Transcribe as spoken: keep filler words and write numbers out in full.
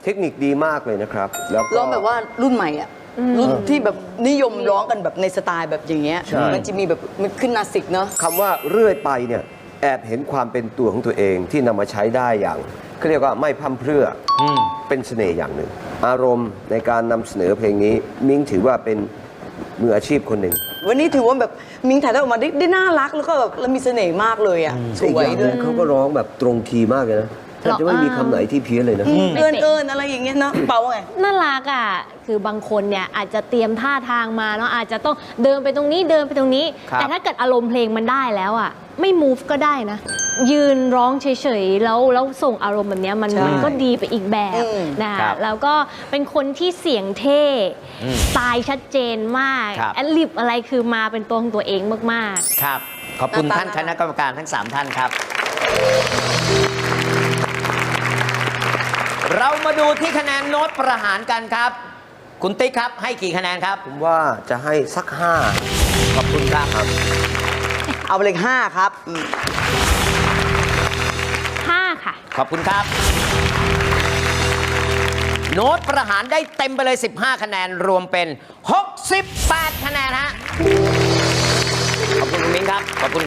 เทคนิคดีมากเลยนะครับแล้วก็ร้องแบบว่ารุ่นใหม่อ่ะรุ่นที่แบบนิยมร้องกันแบบในสไตล์แบบอย่างเงี้ยใช่มันจะมีแบบมันขึ้นนาสิกเนาะคำว่าเรื่อยไปเนี่ยแอบเห็นความเป็นตัวของตัวเองที่นำมาใช้ได้อย่างเขาเรียกว่าไม่พร่ำเพรื่ออเป็นเสน่ห์อย่างหนึ่ง อารมณ์ในการนำเสนอเพลงนี้มิ้งถือว่าเป็นมืออาชีพคนหนึ่งวันนี้ถือว่าแบบมิงถ่ายทอดออกมาได้ได้น่ารักแล้วก็แบบแล้วมีเสน่ห์มากเลยอ่ะสอีกวยอย่างหด้นึวยงเขาก็ร้องแบบตรงคีย์มากเลยนะแทบจะไม่มีคำไหนที่เพี้ยนเลยนะเอินเอินอะไรอย่างเงี้ยเนาะเปาว่าไงน่ารักอ่ะ คือบางคนเนี่ยอาจจะเตรียมท่าทางมาเนาะอาจจะต้องเดินไปตรงนี้เดินไปตรงนี้ครับแต่ถ้าเกิดอารมณ์เพลงมันได้แล้วอ่ะ ไม่ move ก็ได้นะ ยืนร้องเฉยๆแล้วแล้วส่งอารมณ์แบบเนี้ยมันใช่มันก็ดีไปอีกแบบอืมนะคะครับแล้วก็เป็นคนที่เสียงเท่สไตล์ชัดเจนมากครับแอดลิบอะไรคือมาเป็นตัวของตัวเองมากๆครับ ขอบคุณหน้าตาท่านคณะกรรมการทั้ง สาม ท่านครับ เรามาดูที่คะแนนโน้ตประหารกันครับ คุณติ๊กครับให้กี่คะแนนครับผมว่าจะให้สักห้าขอบคุณครับเอาไปเลยห้าครับอืมห้าค่ะขอบคุณครับ โน้ตประหารได้เต็มไปเลย สิบห้า คะแนนรวมเป็น หกสิบแปด คะแนนฮะ ขอบคุณคุณมิ้งครับ ขอบคุณ